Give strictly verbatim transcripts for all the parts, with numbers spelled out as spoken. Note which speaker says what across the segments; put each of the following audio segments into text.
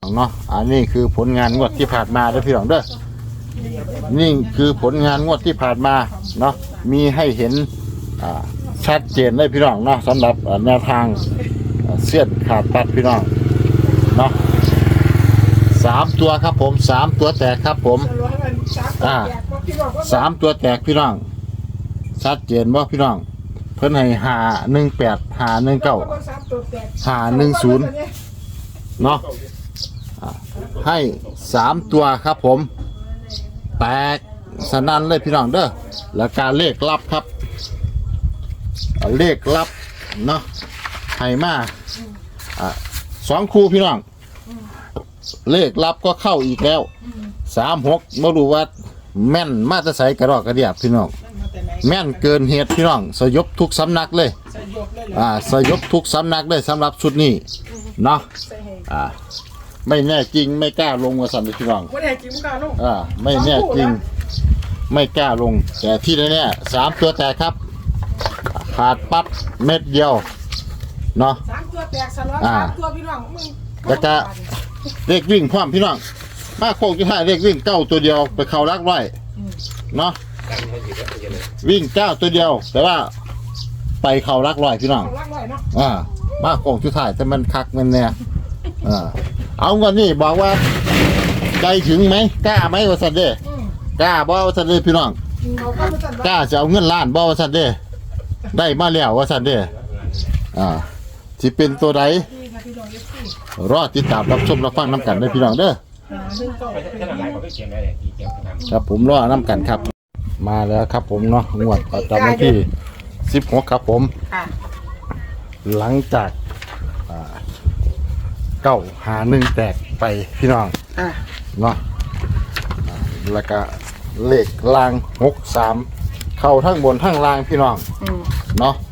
Speaker 1: เนาะอันนี้คือผลงานงวดที่ผ่านมาเด้อพี่น้องเด้อนี่คือผลงานงวดที่ผ่านมาเนาะมีให้เห็นชัดเจนเลยพี่น้องเนาะสำหรับแนวทางเสี้ยนขาดปัดพี่น้องเนาะสามตัวครับผมสามตัวแตกครับผมอ่าสามตัวแตกพี่น้องชัดเจนว่าพี่น้องเพิ่นให้หาหนึ่งแปดหาหนึ่งเก้าหาหนึ่งศูนย์เนาะให้สามตัวครับผมแตกสนั่นเลยพี่น้องเด้อแล้วการเลขลับครับเลขลับเนาะให้มาอ่าสองคู่พี่น้องเลขลับก็เข้าอีกแล้วสามหกไม่รู้ว่าแม่นมาจะใส่กระรอกกระเดียบพี่น้องแม่นเกินเหตุพี่น้องสยบทุกสำนักเลยอ่าสยบทุกสำนักเลยสำหรับชุดนี้เนาะอ่าไม่แน่จริงไม่กล้าลงมาสั่นพี่น้อง
Speaker 2: ไม่แน่จริงไม่กล้าลง
Speaker 1: อ่าไม่แน่จริงไม่กล้าลงแต่ที่แน่ๆสามตัวแตกครับขาดปั๊บเม็ดเดียวเนาะ
Speaker 2: สามตัวแตกสลอนสามตัวพี่น้องมึง
Speaker 1: แล้วก็เลขวิ่งพร้อมพี่น้องมาโค้งที่ห้าเลขวิ่งเก้าตัวเดียวไปเข้ารักไว้เนาะวิ่งเก้าตัวเดียวแต่ว่าไปเข้ารักร้อยพี่น้องอ่ามาโค้งที่ท้ายแต่มันคักมันเนี่ยอ่าเอาเงินนี่บอกว่าใจถึงไหมกล้าไหมวะสันเด้กล้าบ่วะสันเด้พี่น้องกล้าจะเอาเงินล้านบ่วะสันเด้ได้มาแล้ววะสันเด้อ่าที่เป็นตัวใดรอติดตามรับชมรับฟังน้ำกันได้พี่น้องเด้อครับผมรอน้ำกันครับมาแล้วครับผมเนาะงวดประจำวันที่สิบหกครับผมหลังจากเก้าหาหนึ่งแตกไปพี่น้องเนาะแล้วก็เลขล่างหกสามเข้าทั้งบนทั้งล่างพี่น้องเนาะ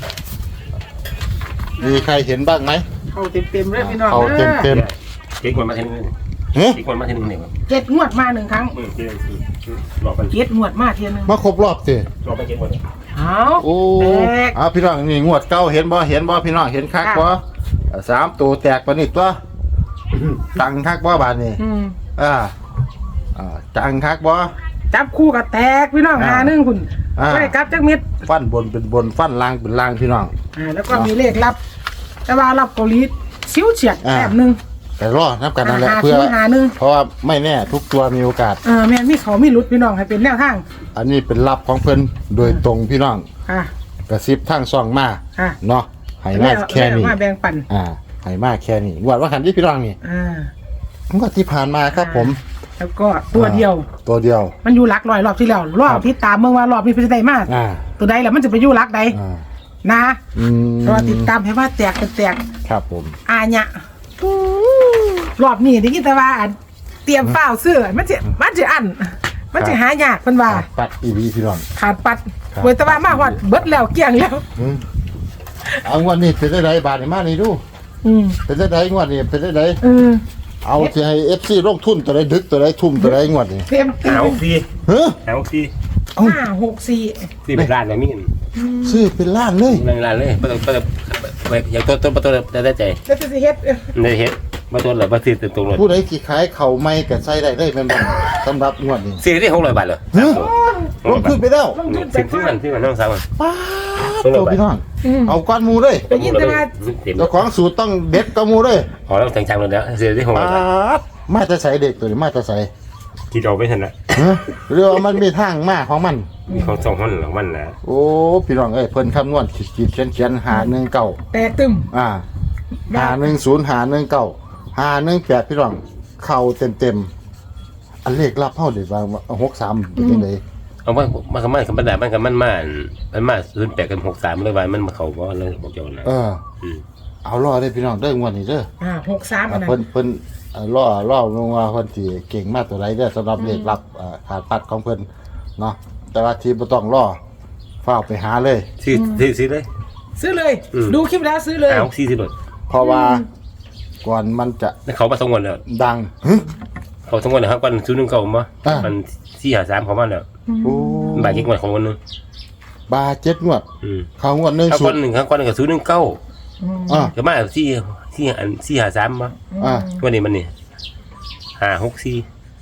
Speaker 1: มีใครเห็นบ้างไหม
Speaker 2: เขาเต็มเต็มเลยพี่น้อง
Speaker 1: เขาเต็มเต็ม
Speaker 3: เจ็ดงวดมาทีนึงเจ็ดงวดมาทีนึงเนี่ย
Speaker 2: เจ็ดงวดมาหนึ่งครั้งเจ็ดงวดมาทีนึง
Speaker 1: มาครบรอบสิ
Speaker 3: รอบไปเจ็ดงวด
Speaker 2: เอา
Speaker 1: โอ้อาพี่น้องนี่งวดเก้าเห็นบ่เห็นบ่พี่น้องเห็นคักบ่สามตัวแตกปนิดตัวจังคักบ่บานนี่อ่าอ่าจังคักบ่
Speaker 2: จับคู่กับแตกพี่น้องหาหนึ่งคุณไม่ได้กลับจักเม็ด
Speaker 1: ฟันบนเป็นบนฟันล่างเป็นล่างพี่น้อง
Speaker 2: อ่าแล้วก็มีเลขลับแต่ว่าลับเกาหลีซิ้วเฉียดแบบหนึ่ง
Speaker 1: แต่รอนับกันนั่นแหละเพื่อเพราะว่าไม่แน่ทุกตัวมีโอกาส
Speaker 2: เออแม่มีเขามีรุดพี่น้องให้เป็นแนวทาง
Speaker 1: อันนี้เป็นลับของเพิ่นโดยตรงพี่น้องกระซิบทางซ่องมาเนาะให้มาแค่นี้
Speaker 2: มาแบ่งปัน
Speaker 1: อ่าให้มาแค่นี้งวดว่าคันที่พี่น้องนี่
Speaker 2: อ่
Speaker 1: างวดที่ผ่านมาครับผม
Speaker 2: แล้วก็ตัวเดียว
Speaker 1: ตัวเดียว
Speaker 2: มันอยู่หลักร้อยรอบที่แล้วรอบที่ตามเมื่อว่ารอบนี้เป็นได้มากตัวใดแล้วมันจะไปอยู่หลักใดนะรอติดตามให้ว่าแตกเป็นแตก
Speaker 1: ครับผม
Speaker 2: อาเนี่ยรอบนี้ได้ยินแต่ว่าเตรียมเฝ้าเสื้อมันจะมันจะอันมันจะหายากเป็นว่า
Speaker 1: ปัดอีวีพี่น้อง
Speaker 2: ขาดปัดเว้ยแต่ว่ามากว่าเบิดแล้วเกี่ยงแล้ว
Speaker 1: เอางวดนี้เป็นได้บาทนี่มานี่ดูเป็นได้งวดนี้เป็นได้เอาที่ให้เอฟซีลงทุนตัวใดดึกตัวใดทุ่มตัวใดงวดนี่
Speaker 2: เต็ม
Speaker 3: หาหกสี่
Speaker 1: เฮ้ย
Speaker 3: หาหกสี่
Speaker 2: ห้าหกสี่
Speaker 3: สี่เป็นล้านเลยมี
Speaker 1: ซื้อเป็นล้านเลย
Speaker 3: ล้านเลยประตูประตูอย่างต้นต้นประตูจะได้ใจ
Speaker 2: จะจะเฮ็ด
Speaker 3: ได้เฮ็ดประตูหรือประตูตรงเลย
Speaker 1: ผู้ใดกี่ขายเข่าไม่กับใส่ได้ได้เป็นแบบสำหรับงวดนี้
Speaker 3: สี่ที่หกร้อยบาทเลย
Speaker 1: ลงทุนไปแล้ว
Speaker 3: สิบที่มันที่มันน้องสาว
Speaker 1: ป้าตัวพี่น้องเอาก้อนมูเลย
Speaker 2: ได้ยินแต่ว่า
Speaker 1: เจ้าของสูตรต้องเด็ดก้อนมูเลย
Speaker 3: อ๋อแล้วจังๆเลยแล้วสี่ที่หกร้อยบาท
Speaker 1: มาจะใส่เด็กตัวนี้มาจะใส่
Speaker 3: ที่เราไม่ทันนะ
Speaker 1: เรือมันมีทางมาของมัน
Speaker 3: มีของสองมันหรือมันนะ
Speaker 1: โอ้พี่น้องเอ้ยเพิ่นคำนวณขีดเขียนเขียนหาหนึ่งเก่า
Speaker 2: แต่ตึม
Speaker 1: อ่าหาหนึ่งศูนย์หาหนึ่งเก่าหาหนึ่งแปดพี่น้องเข่าเต็มเต็มอันเลขรับเท่าเด็ดบางหกสามเป็นยังไง
Speaker 3: เอาว่ามันก็มันกับมันแต่มันกับมันมามันมาศูนย์แปดกับหกสามเลยว่ามันมาเข่าว่าเลยบอกเจ้านะ
Speaker 1: เออเอาล่อได้พี่น้องได้งวดนี้เด้อ
Speaker 2: อ่าหกสาม
Speaker 1: เพิ่นเพิ่นล่อล่อลงมาเพิ่นที่เก่งมากตัวไรเด้อสำหรับเลขรับขาดปัดของเพิ่นเนาะแต่ว่าทีบ่ต้องล่อเฝ้าไปหาเลย
Speaker 3: ซื้อซื้อซื้อเลย
Speaker 2: ซื้อเลยดูคลิปแล้วซื้อเลย
Speaker 3: เอาสี่สิบเลย
Speaker 1: เพราะว่าก่อนมันจะ
Speaker 3: เขามาสองวันแล้ว
Speaker 1: ดัง
Speaker 3: เขาสองวันนะครับก่อนซื้อหนึ่งเก่ามั้ยมันสี่หาสามเขามาแล้วบาทเจ็ดงวดของวันนึง
Speaker 1: บาทเจ็ดงวดเขางวดหนึ่ง
Speaker 3: ศูนย์หนึ่งครับก่อนกับซื้อหนึ่งเก้าอ่าจะมาสี่สี่อันสี่หาสามมั้ยวันนี้มันนี่ห้าหกสี่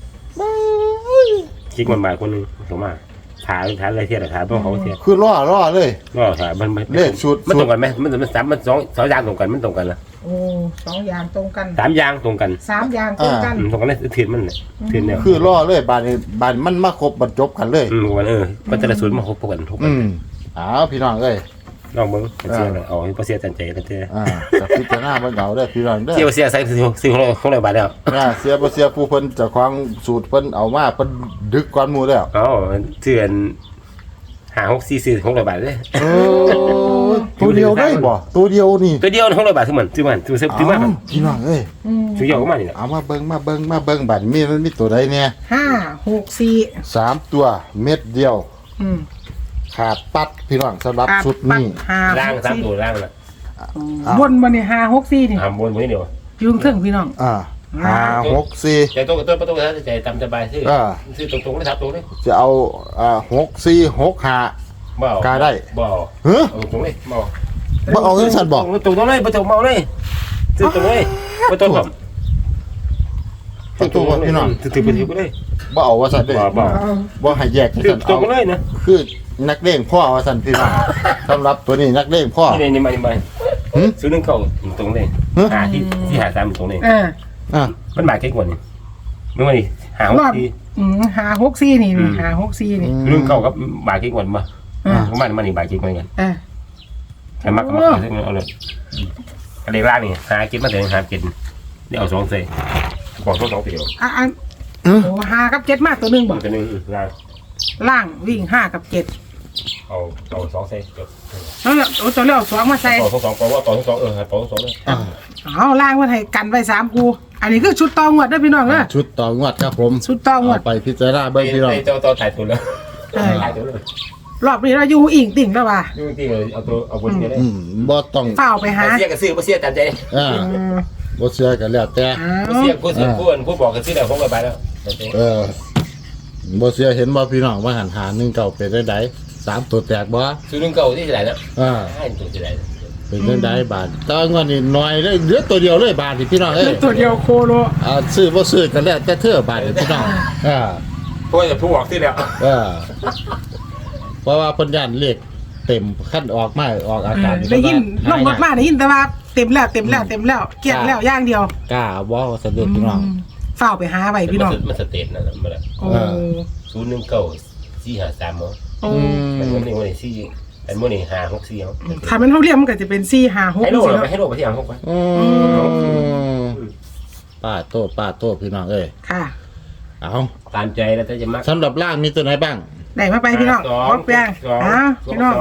Speaker 3: คิดมันมาคนนึงถูกมาถามถามอะไรเทียบถามพวกเขาเทียบ
Speaker 1: คือล่อล่อเลย
Speaker 3: ก็ถามมัน
Speaker 1: เลขชุด
Speaker 3: มันตรงกันไหมมันมันสามมันสองสองอย่างตรงกันมันตรงกันนะ
Speaker 2: โอ้สองอย่างตรงกัน
Speaker 3: สามอย่างตรงกัน
Speaker 2: สามอย่างตรงกัน
Speaker 3: อืมตรงกันเลยเทียนมันเนี่ยเทียนเนี่ย
Speaker 1: คือล่อเลยบานนี้บานมันมาครบบรรจบกันเลย
Speaker 3: อืมวันเออมันจะละศูนย์มาครบกันทุกกั
Speaker 1: อื
Speaker 3: น
Speaker 1: มอ้าวพี่น้องเอ้ย
Speaker 3: ลองเบิ้งเสียเลยเอาให้เสียจันใจกันเท่
Speaker 1: อ่ากับพิจารณาเบิ่งเอาเด้อพี่น้องเด้อ
Speaker 3: เสียเสียใส่ซื้อซื้อของเราของเราบาทแล้ว
Speaker 1: อ่าเสียบ่เสียผู้เพิ่นเจ้าของสูตรเพิ่นเอามาเพิ่นดึกก่อนหมู่แล้ว
Speaker 3: อ๋อเถื่อนหาหกสี่สี่ของเราบาทเลย
Speaker 1: เออตัวเดียวได้บ่ตัวเดียวนี่
Speaker 3: ตัวเดียวของเราบาทซื้อมันซื้อมันซื้อซื้อซื้อมา
Speaker 1: เอ้าพี่น้องเอ้ย
Speaker 2: อืม
Speaker 3: ซื้อเยอะก็มานี่แหละ
Speaker 1: เอามาเบิ่งมาเบิ่งมาเบิ่งบัดมีมันมีตัวใดเนี่ย
Speaker 2: ห้าหกสี่
Speaker 1: สามตัวเม็ดเดียว
Speaker 2: อืม
Speaker 1: ขาดปัดพี่น้องสำหรับชุดนี้
Speaker 2: ห้า
Speaker 3: ล่าง
Speaker 2: หก
Speaker 3: สาม
Speaker 2: สี่
Speaker 3: ตัวล่างนะ
Speaker 2: บนบนนี่ห้าหกสี่นี่
Speaker 3: ทำบนมือเดียว
Speaker 2: ยุงถึงพี่น้อง
Speaker 1: อ่าห้าหกสี่
Speaker 3: ใจตรงตัวประตูนะใจตามสบายซื้อซื้อตรงตรงๆนะครับตรงนี้
Speaker 1: จะเอาอ่าหกสี่หกห้า
Speaker 3: บ่
Speaker 1: กาได้
Speaker 3: บ่
Speaker 1: เฮ้ย
Speaker 3: เอาตรงนี้บ่
Speaker 1: บ่เอาเงินสัตว์บ่
Speaker 3: ตรงตรงเลยประตูเมาเลยซื้อตรงเลยประตูผม
Speaker 1: ประตูบ่พี่น้อง
Speaker 3: ถือถือไปถือไปเลย
Speaker 1: บ่เอาว่าสัตว์เด้
Speaker 3: บ่บ่
Speaker 1: บ่ให้แยกจัง
Speaker 3: ถือ
Speaker 1: ซั่น
Speaker 3: ตร
Speaker 1: เอา
Speaker 3: งเลยนะ
Speaker 1: คือนักเลงพ่อว่าสัตว์พี่น้องสำหรับตัวนี้นักเลงพ่อ
Speaker 3: นี่นี่มานี่มา
Speaker 1: หึ
Speaker 3: ซื้อหนึ่งเก่าตรงเลย
Speaker 1: หึ
Speaker 3: หาที่ที่หาสามตรงเลย
Speaker 2: เออ
Speaker 1: อ่า
Speaker 3: มันมาแค่กว่านี่ไม่ว่านี่หาห
Speaker 2: ร
Speaker 3: ก
Speaker 2: อบ
Speaker 3: ที
Speaker 2: อืมห้าหกสี่นี่นี่ห้าหกสี่นี่
Speaker 3: เรื่องเก่ากับบาแค่กว่ามา
Speaker 2: อ่า
Speaker 3: ประมาณมันนี่บาแค่กว่ากัน
Speaker 2: อ่า
Speaker 3: ใครมักก็มักเอาเลยอะไรล่างนี่หากินมาแต่หากินนี่เอาสองใส่บอกต้องสองเดียว
Speaker 2: อ่ะอัน
Speaker 1: เออ
Speaker 2: โอ้ห้ากับเจ็ดมาตัวหนึ่งบอก
Speaker 3: ตัวนึงล่าง
Speaker 2: ล่างวิ่งห้ากับเจ็ด
Speaker 3: เอาเอาสองใส่
Speaker 2: แล้วเนี่ยโอ้ตัวเลี้ยวสองมาใส่
Speaker 3: ต่อสองต่อว่าต่อสองเออต่อสองเลย
Speaker 1: อ่า
Speaker 2: เอาล่างมาให้กันไว้สามกูอันนี้คือชุดตองวดเด้วยพี่น้องเด้อ
Speaker 1: ชุดต่องวดครับผม
Speaker 2: ชุดตองวด
Speaker 1: เอาไปพิจารณาเบิ่งพี่น้อง
Speaker 3: เจ้าต่อถ่ายตัวแล้วถ่ายตัวเลย
Speaker 2: รอบนี้เราอยู่อิงติ่งแล้วว่ะ
Speaker 3: ยุ่งจริงเลยเอาตัวเอาบนนี้เลย
Speaker 1: อืมบ่ต้อง
Speaker 2: เฝ้าไปหา
Speaker 3: เสียกับซื้อเสียตามใจ
Speaker 1: อ่า
Speaker 2: อืม
Speaker 1: บ่เชื่อกันแล้วแต่
Speaker 2: เอา
Speaker 3: เสียผู้ซื้อผู้ผู้บอกกันซื้อแล้วผมก็ไปแล้ว
Speaker 1: เออบ่เชื่อเห็นบ่พี่น้องว่าหันหาหนึ่งเก่าเป็นได้ไดสามตัวแตกบ่
Speaker 3: ซื้อนึงเก่าที่ไหนนะ
Speaker 1: อ่า
Speaker 3: ให้ตัวที่ไหน
Speaker 1: เป็นได้ไดบาทแตอนวันนี้น้อยเลยเหลือตัวเดียวเลยบาทนี่พี่น้องเอ้ย
Speaker 2: ตัวเดียวโคโล
Speaker 1: อ่าซื้อบ่ซื้อกันแล้วแต่เธอบาทนี่พี่น้องอ่า
Speaker 3: เพราะจะผู้บอกที่แล้ว
Speaker 1: เออเพราะว่าเพิ่นย่านเลขเต็มขั้นออกมาออกอา
Speaker 2: เออก
Speaker 1: าศ
Speaker 2: ได้ยินล
Speaker 1: เพิ่
Speaker 2: ง
Speaker 1: ว่
Speaker 2: รถมาได้ยินแต่ว่าเต็มแล้วเต็มแล้วเต็มแล้วเกลี้ยงแล้วอย่างเดียว
Speaker 1: กล้าบ่สะดุดพี่น้อง
Speaker 2: อืมเฝ้าไปหาไว้พี่น้อง
Speaker 3: มันสเตทนะมัน
Speaker 2: โอ้
Speaker 1: เออ
Speaker 3: ศูนย์หนึ่งเก่าสี่หาสามมั้ง
Speaker 2: โอ้
Speaker 1: อื
Speaker 3: มัน
Speaker 1: ม
Speaker 3: นี่วันนี้สี่อันวันนี้หาหกสี่เขา
Speaker 2: ถ้ามันเท่าเรียมมันก็จะเป็นสี่ห้าหก
Speaker 3: ให้โล
Speaker 2: สิ
Speaker 3: เราไป
Speaker 2: เนาะ
Speaker 3: ให้โลไปที่อ่างหกไป
Speaker 1: อืมป้าโตป้าโตพี่น้องเอ้ย
Speaker 2: ค่ะ
Speaker 1: เอา
Speaker 3: ตามใจแล้วแต่จะมัก
Speaker 1: สำหรับล่างมีตัวไหนบ้าง
Speaker 2: ได้มาไปพี่น้องพร้อมแปลงอ้าวพี่น้อง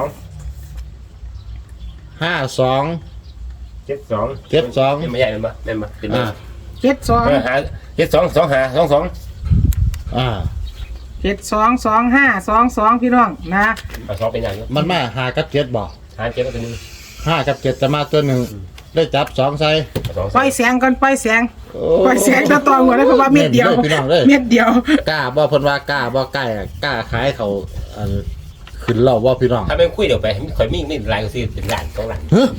Speaker 1: ห้าสอง
Speaker 3: เจ็ดสอง
Speaker 1: เจ็ดสอง
Speaker 3: ไม่ใหญ่เลยมั้ยแม่นมั้ยเป็น
Speaker 1: อ่า
Speaker 2: เจ็ดสอง
Speaker 3: หาเจ็ดสองสองหาสองสอง
Speaker 1: อ่า
Speaker 2: เจ็ดสองสองห้าสองสองพี่น้องนะ
Speaker 3: เอาสองเป็นอย่าง
Speaker 1: มันมาหากับเจ็ดบ่
Speaker 3: หาเจ็ดก็ตัวนึง
Speaker 1: ห้ากับเจ็ดจะมาตัวหนึ่งได้จับสองใส่
Speaker 3: สอง
Speaker 2: ปล่อยเสียงก่อนปล่อยเสียงปล่อยเสียงตะตองก่อนเลยเพราะว่าเม็ดเดียว
Speaker 1: พี่น้องเลย
Speaker 2: เม็ดเดียว
Speaker 1: กล้าบ่เพิ่นว่ากล้าบ่ใกล้อะกล้าขายเขาอันขึ้นเล่าว่าพี่น้อง
Speaker 3: ถ้าเป็นคุยเดี๋ยวไปคอยมีนี่ลายก็ซื้อเป็นหลานสองหลาน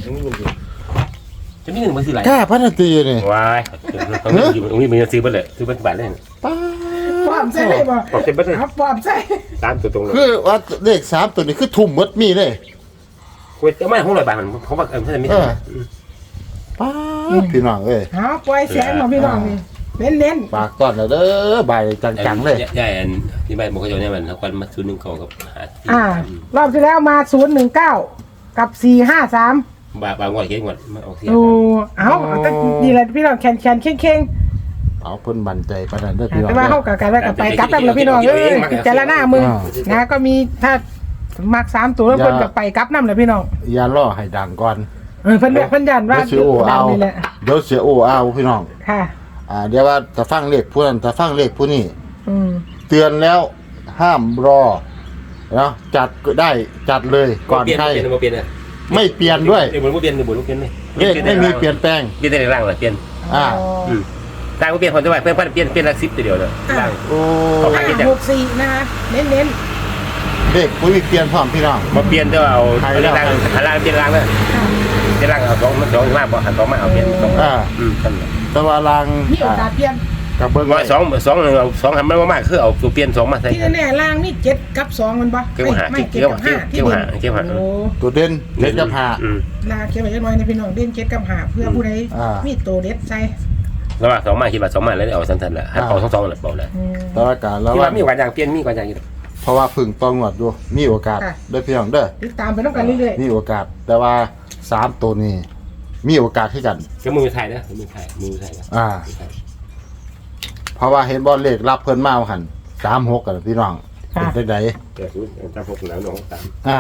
Speaker 3: จะมีหนึ่งมาซื้อหลาย
Speaker 1: กล้าพันตีนี่
Speaker 3: ว้ายตรงนี้อยู่ตรงนี้มันจะซื้อไปเลยซื้อเป็นบาทเลย
Speaker 1: ป้า
Speaker 2: ความใช่ได้บ่
Speaker 3: บอกเจ็บไปเลย
Speaker 2: ครับความใช่
Speaker 3: ตามตัวตรงเลย
Speaker 1: คือว่าเลขสามตัวนี้คือทุ่มหมดมีเลย
Speaker 3: คุยจะไม่ห้องลอยบาทมันเขาบอกเออไม่ใช่ไม่ใช่
Speaker 1: ป้าพี่น้องเอ้ย
Speaker 2: เอาปล่อยเสียงมาพี่น้องนี่เน้นเน้น
Speaker 1: ฝากก่อนแล้วเด้อใบจังๆเลย
Speaker 3: ใช่อันที่ใบบอกเขาจะเนี่ยมันทักวันมาซื้อหนึ่งกล่องกับหา
Speaker 2: ๆอ่ารอบที่แล้วมาศูนย์หนึ่งเก้ากับสี่ห้าสาม
Speaker 3: บาบางวันเก่งกว่ามาออกเสีย
Speaker 2: โอ้เอาเอาแต่ดีเลยพี่น้องแคนแคนเข่งเข่ง
Speaker 1: เอาเพิ่นบันใจปานนั้นเด้อ
Speaker 2: ๆ
Speaker 1: พี่น้อง
Speaker 2: แต่ว่า
Speaker 1: เด้
Speaker 2: เข้า
Speaker 1: อ
Speaker 2: กับกันแล้วกับไปกลับกันแล้วพี่น้องเอ้ยพิจารณามือนะก็มีถ้ามักสามตัวแล้วเพิ่นกับไปกลับน้ำเลยพี่น้อง
Speaker 1: อย่าล่อให้ดังก่อน
Speaker 2: เออเพิ่นเพิ่นยันว่า
Speaker 1: เดี๋ยวเสียโอเอา
Speaker 2: นี่แหละ
Speaker 1: เดี๋ยวเสียโอเอาพี่น้อง
Speaker 2: ค่ะ
Speaker 1: อ่าเดี๋ยวว่าจะฟังเลขผู้นั้นจะฟังเลขผู้นี้
Speaker 2: อืม
Speaker 1: เตือนแล้วห้ามรอเนาะจัดก็ได้จัดเลยก่อนใคร
Speaker 3: เปลี่ยนเปลี่ยนเลย
Speaker 1: ไม่เปลี่ยนด้วย
Speaker 3: เปลี่ยนเปลี่ยนเปลี่ยนเปลี่ยนเลย
Speaker 1: เลขไม่มีเปลี่ยนแปลง
Speaker 3: เปลี่ยนได้ร่างเลยเปลี่ยน
Speaker 1: อ่า
Speaker 3: อืมร่างก็เปลี่ยนคนจะว่าเปลี่ยนเปลี่ยนเปลี่ยนละสิบตัวเดียวเลยร่าง
Speaker 1: โอ้
Speaker 2: ห้าหกสี่นะคะเน้นเน้น
Speaker 1: เลขผู้มีเปลี่ยนพร้อมพี่น้อง
Speaker 3: มาเปลี่ยนจะเอาร่างหาร่างเปลี่ยนร่างเลยเปลี่ยนร่างเอาสองมันสองมากบ่หันสองมาเอาเปลี่ยนสอง
Speaker 1: อ่า
Speaker 3: อืมนั่นแหละ
Speaker 1: แต่ว่าลาง
Speaker 2: ๆมีโอกาสเปลี่ยน
Speaker 1: กับเบิ้ง
Speaker 3: ร้อยสองสองเอาสองทำมันมากคือเอาตัวเปลี่ยนสองมาใส่
Speaker 2: ที่แน่ๆล่างนี่เจ็ดกับสองมันบ่
Speaker 3: เกี่ยวหา
Speaker 2: ไม่
Speaker 3: เกี่
Speaker 2: เจ็ด
Speaker 3: ยว
Speaker 2: กับห้าที่
Speaker 3: เกี่ยว
Speaker 2: เด่
Speaker 3: หาน เกี่ยวหา
Speaker 2: โอ้
Speaker 1: ตัวเด่นเด็ดกับหา
Speaker 3: อืม
Speaker 2: ลาเขียวไว้จักหน่อยในพี่น้องเด่นเจ็ดกับห้าเพื่อผู้ใด
Speaker 1: อ่ามี
Speaker 2: มีตัวเด็ดใส่
Speaker 3: แล้วว่าสองมาคิดว่าสองมาแล้วเอาสั้นๆแหละให้เอาสองสองแหละบอกเลย
Speaker 2: อืม
Speaker 1: แต่ว่าการแล้ว
Speaker 3: คิด
Speaker 1: ว่า
Speaker 3: ว่ามีกว่าอย่างเปลี่ยนมีกว่าอย่างอยู่
Speaker 1: เพราะว่าพึ่งตองวดอยู่มีโอกาส
Speaker 2: ค่ะ
Speaker 1: ได้พี่น้องเด้อ
Speaker 2: ติดตามไปต้องกันเรื่อย
Speaker 1: มีโอกาส แต่ว่าสามตัวนี้มีโอกาสที่กัน
Speaker 3: ก็มือไทยนะมือไทยมือไทยนะ
Speaker 1: อ่า เพราะว่าเห็นบอลเลขรับเพิ่นมาหันสามหกกันพี่น้องเป็นได้ได
Speaker 3: เดี๋ยวคุณจำพวกแล้วน้องตาม
Speaker 1: อ่า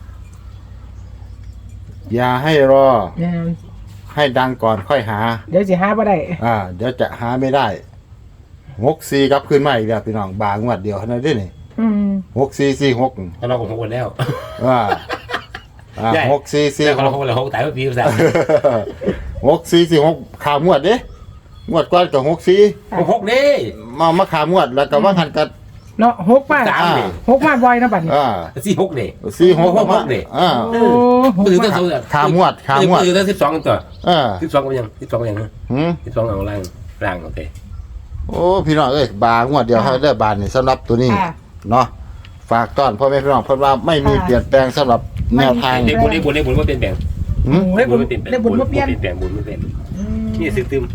Speaker 1: อย่าให้รอ
Speaker 2: ๆเนี่ย
Speaker 1: ให้ดังก่อนค่อยหา
Speaker 2: เดี๋ยวสิหาบ่ได้
Speaker 1: อ่า เดี๋ยวจะหาไม่ได้หกสี่กลับขึ้นมาอีกแล้วพี่น้องบางวัดเดียวเท่านั้นเด้นี่
Speaker 2: อืม
Speaker 1: หกสี่สี่หก
Speaker 3: ถ้าเราของคนแล้ว
Speaker 1: อ่าอ่า
Speaker 3: ใหญ่
Speaker 1: หกสี่สี่
Speaker 3: แต่
Speaker 1: ห
Speaker 3: ของเรา
Speaker 1: ก
Speaker 3: คนละหกตายปีภาษา
Speaker 1: หกสี่สี่หกขามวดเด้งวดก่อนกับหกสี่
Speaker 3: หกหกนี่
Speaker 1: มามาขามวดแล้วก็ว่าหันกัน
Speaker 2: เนาะหกมา
Speaker 3: สามนี่
Speaker 2: หกมาบ่อยนะบัดนี้
Speaker 1: อ่า
Speaker 3: สี่หกนี่
Speaker 1: สี่หก
Speaker 3: หกหกนี่
Speaker 1: อ่า
Speaker 2: โอ้หก
Speaker 3: มือตั้
Speaker 2: มาง
Speaker 3: สอง
Speaker 1: ขามวดขามวด
Speaker 3: มือตั้งสิบสองตัว
Speaker 1: อ่า
Speaker 3: สิบสองก็ยังสิบสองก็ยัง
Speaker 1: หืม
Speaker 3: สิบสองเอาล่างล่างโอเค
Speaker 1: โอ้พี่น้องเอ้ยบางวดเดียวให้ได้บานนี่สำหรับตัวนี้
Speaker 2: ค่ะ
Speaker 1: เนาะฝากต้อนพ่อแม่พี่น้องเพราะว่าไม่มีเปลี่ยนแปลงสำหรับแนวทาง
Speaker 3: เด็กบุญเด็กบุญเด็กบุญไม่เปลี่ยนแปลง
Speaker 1: หืม
Speaker 2: ได้บุญ
Speaker 3: ไม่เปลี่ยนแปลง
Speaker 2: ได้บุญบ่เปลี่ยน
Speaker 3: เปลี่ยนแปลงบุญไม่เปลี่ยน
Speaker 2: อืม
Speaker 3: นี่ซื้อตึม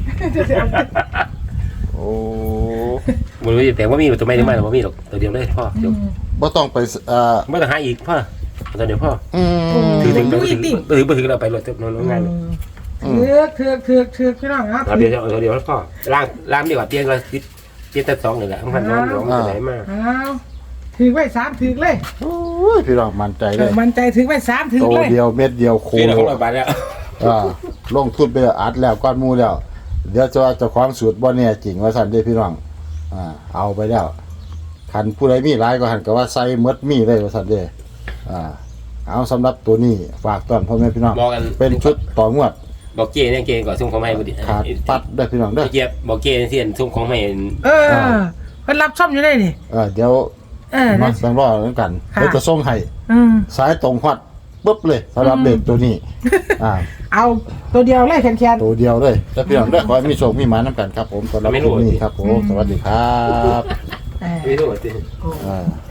Speaker 1: โอ้
Speaker 3: บุญไม่เปลี่ยนแปลงว่ามีตัวไม่ได้มาหรอกมีหรอกตัวเดียวเลยพ่อจบ
Speaker 1: บ่ต้องไปเอ่อ
Speaker 3: ไม่ต้องหาอีกพ่อตัวเดียวพ่อ
Speaker 1: อืม
Speaker 3: ถือถึงถือถึงถือไปถึงเราไปรถเต็มน้องงาน
Speaker 2: เถือกเถือกเถือกเถือกพี่น้องครับ
Speaker 3: เราเดียวเราเดียวพ่อล่างล่างดีกว่าเตียงเราติดเตียงแต่สองเลยแหละพันน้องน้องไหนมา
Speaker 2: อ้าวถือไว้สามถือเลย
Speaker 1: โอ้ยพี่น้องมั่นใจเลย
Speaker 2: มันใจถือไว้สามถือ
Speaker 1: โต
Speaker 2: เลย
Speaker 1: เดียวเม็ดเดียวโค
Speaker 3: ปีละ
Speaker 1: โล
Speaker 3: หกร้อยบาทแล้ว
Speaker 1: อ่าลงทุนไปแล้วอัดแล้วก้อนหมูแล้ว เดี๋ยวจะว่าเจะความสูตรบ่แน่จริงว่าสั่นเด้อพี่น้องอ่าเอาไปแล้วคันผู้ใดมีหลายก็หันก็ว่าใส่หมดมีเลยว่าสั่นเด้ออ่าเอาสำหรับตัวนี้ฝากต้อนพ่อแม่พี่น้อง
Speaker 3: บอกกัน
Speaker 1: เป็นชุดต่องวด
Speaker 3: บอกเจเนี่ยเจก่อนส่งของให้บุตร
Speaker 1: ขาดปัดได้อพี่น้องเด้อ
Speaker 3: เจี๊ยบบอกเจเสียนส่งของให้
Speaker 2: เออเพิ่นรับซ่อมอยู่ได้นี่
Speaker 1: เออเดี๋ยว
Speaker 2: เออ
Speaker 1: มา
Speaker 2: นะ
Speaker 1: สังรอแล้วกัน
Speaker 2: ค่ะ
Speaker 1: เดี๋ยวจะส่งให้
Speaker 2: อืม
Speaker 1: สายตรงฮอดปุ๊บเลยสำหรับเด็กตัวนี้อ่า
Speaker 2: เอาตัวเดียวเลยแคนแคน
Speaker 1: ตัวเดียวเลยแล้วพี่น้องเด้อขอให้มีโชคมีหมาน้ำกันครับผมสำหรับคลิปนี้ครับผมสวัสดีครับ
Speaker 2: เออ
Speaker 3: ไม่รู้สิ
Speaker 2: โอ้
Speaker 1: อ่า